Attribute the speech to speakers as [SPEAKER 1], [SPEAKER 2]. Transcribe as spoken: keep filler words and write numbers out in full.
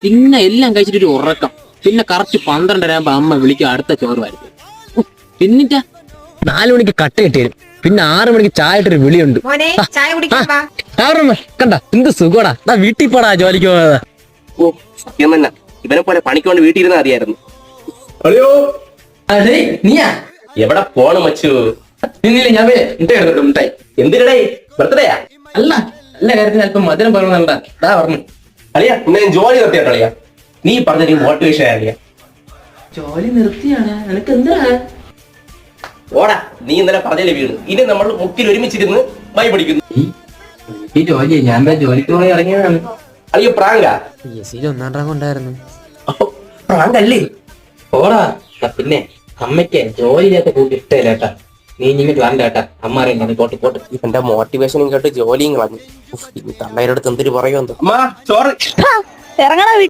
[SPEAKER 1] പിന്നെ എല്ലാം കഴിച്ചിട്ട് ഒരു ഉറക്കം. പിന്നെ കറക്റ്റ് പന്ത്രണ്ടര ആകുമ്പോ അമ്മ വിളിക്കും അടുത്ത ചോറ് വരുന്നത്. പിന്നിട്ടാ നാലു മണിക്ക് കട്ട കിട്ടി വരും. പിന്നെ ആറു മണിക്ക് ചായ ഇട്ടൊരു വിളിയുണ്ട്. കണ്ട എന്ത് സുഖോടാ. നാ വീട്ടിൽ പോടാ ജോലിക്ക് പോകാതെ.
[SPEAKER 2] ഓ സത്യം തന്നെ, ഇവനെ പോലെ പണിക്കൊണ്ട് വീട്ടിൽ ഇരുന്ന് അറിയായിരുന്നു.
[SPEAKER 3] അയ്യോ
[SPEAKER 1] നീയാ
[SPEAKER 2] എവിടെ പോണ് മച്ചു?
[SPEAKER 1] നിന്നില്ല ഞാൻ എടുത്തോട്ട് മുട്ടായി.
[SPEAKER 2] എന്തിനടേ ബർത്ത്ഡേയാ?
[SPEAKER 1] അല്ല നല്ല കാര്യത്തിന് അല്പം മധുരം പറഞ്ഞാ അതാ പറഞ്ഞു.
[SPEAKER 2] അളിയാ ഇന്ന് ഞാൻ ജോലി നിർത്തിയാ കളിയാ. നീ പറഞ്ഞ നീ മോട്ടിവേഷൻ ആളിയാ.
[SPEAKER 1] ജോലി നിർത്തിയാണ് നിനക്ക് എന്താ?
[SPEAKER 2] ഓടാ, നീ ഇന്നലെ പറഞ്ഞല്ലേ വീട്. ഇനി നമ്മൾ മുക്കിൽ ഒരുമിച്ചിരുന്ന് വൈ പഠിക്കുന്നു.
[SPEAKER 1] ഈ ജോലി ഞാൻ ജോലിക്ക് പോയി ഇറങ്ങിയതാണ്.
[SPEAKER 2] അളിയ പ്രാങ്കാ?
[SPEAKER 1] ഒന്നാം റാങ്ക് ഉണ്ടായിരുന്നു.
[SPEAKER 2] പ്രാങ്കല്ലേ?
[SPEAKER 1] ഓടാ. പിന്നെ അമ്മയ്ക്ക് ജോലി ചെയ്യാത്ത കൂട്ടി ഇഷ്ടമില്ല കേട്ടാ. നീ ഇങ്ങനെ പ്ലാൻ കേട്ടാ. അമ്മ അറിയാം പോട്ട് പോട്ട്.
[SPEAKER 2] ഇവന്റെ മോട്ടിവേഷനും കേട്ട് ജോലിയും കളഞ്ഞു. തള്ളയുടെ അടുത്ത് എന്തൊരു പറയുമെന്ന്. അമ്മ ചോറ്
[SPEAKER 4] ഇറങ്ങണ